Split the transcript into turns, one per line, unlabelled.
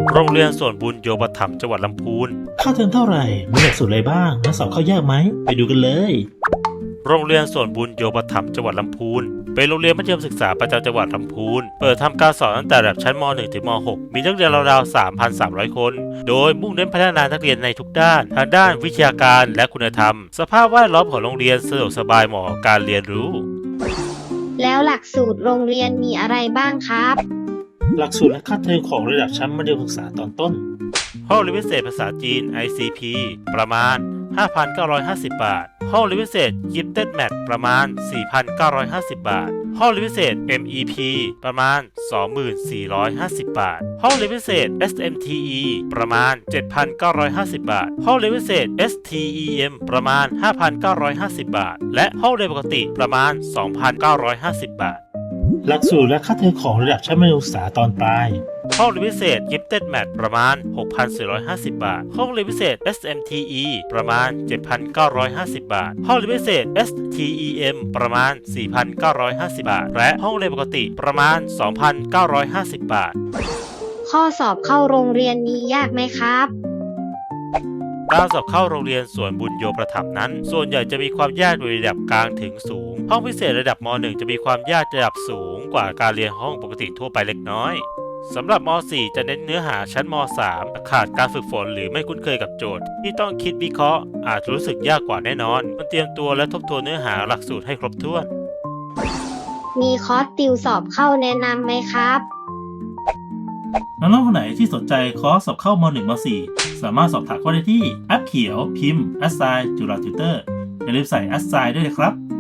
โรงเรียนส่วนบุญโยปถัมภ์จังหวัดลำพูน
ค่าเทอมเท่าไหร่มีหลักสูตรอะไรบ้างและสอบเข้ายากไหมไปดูกันเลย
โรงเรียนส่วนบุญโยปถัมภ์จังหวัดลำพูนเป็นโรงเรียนมัธยมศึกษาประจำจังหวัดลำพูนเปิดทำการสอนตั้งแต่ระดับชั้นม .1 ถึงม .6 มีนักเรียนราวๆ 3,300 คน โดยมุ่งเน้นพัฒนานักเรียนในทุกด้านทางด้านวิชาการและคุณธรรมสภาพแวดล้อมของโรงเรียนสะดวกสบายเหมาะกับการเรียนรู้
แล้วหลักสูตรโรงเรียนมีอะไรบ้างครับ
หลักสูตรและค่าเทอมของระดับชั้นมัธยมศึกษาตอนต้น
ห้องเรียนพิเศษภาษาจีน ICP ประมาณ 5,950 บาทห้องเรียนพิเศษ Gifted Math ประมาณ 4,950 บาทห้องเรียนพิเศษ MEP ประมาณ 24,50 บาทห้องเรียนพิเศษ SMTE ประมาณ 7,950 บาทห้องเรียนพิเศษ STEM ประมาณ 5,950 บาทและห้องเรียนปกติประมาณ 2,950 บาท
หลักสูตรและค่าเทอมของระดับชั้นมัธยมศึกษาตอนปลาย
ห้องเรียนพิเศษ Gifted Math ประมาณ 6,450 บาทห้องเรียนพิเศษ SMTE ประมาณ 7,950 บาทห้องเรียนพิเศษ STEM ประมาณ 4,950 บาทและห้องเรียนปกติประมาณ 2,950 บาท
ข้อสอบเข้าโรงเรียนนี้ยากไหมครับ
การสอบเข้าโรงเรียนสวนบุญโยประถมนั้นส่วนใหญ่จะมีความยากโดยระดับกลางถึงสูงห้องพิเศษระดับม .1 จะมีความยากระดับสูงกว่าการเรียนห้องปกติทั่วไปเล็กน้อยสำหรับม .4 จะเน้นเนื้อหาชั้นม .3 ขาดการฝึกฝนหรือไม่คุ้นเคยกับโจทย์ที่ต้องคิดวิเคราะห์อาจรู้สึกยากกว่าแน่นอนมันเตรียมตัวและทบทวนเนื้อหาหลักสูตรให้ครบถ้วน
มีคอร์สติวสอบเข้าแนะนำไหมครับ
น้องๆคนไหนที่สนใจคอร์สสอบเข้าม .1 ม .4 สามารถสอบถามเข้าได้ที่แอปเขียวพิมพ์ assign จุฬาติวเตอร์อย่าลืมใส่ assign ด้วยนะครับ